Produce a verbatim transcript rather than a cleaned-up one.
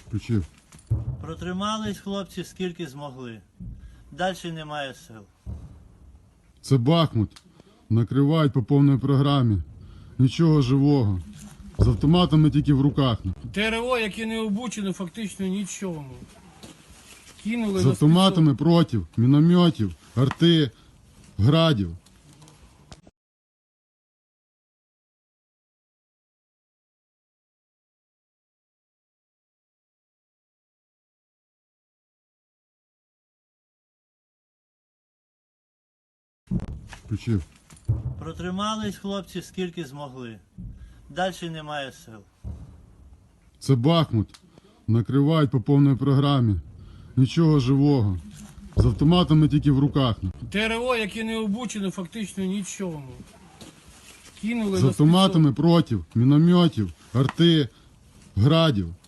Включив. Протримались хлопці скільки змогли. Далі немає сил. Це Бахмут. Накривають по повній програмі. Нічого живого. З автоматами тільки в руках. ТРО, яке не обучено, фактично нічому. Кинули З на автоматами проти мінометів, арти, градів. Включив. Протримались хлопці скільки змогли. Далі немає сил. Це Бахмут. Накривають по повній програмі. Нічого живого. З автоматами тільки в руках. ТРО, яке не обучено, фактично нічому. Кинули З на автоматами проти мінометів, арти, градів.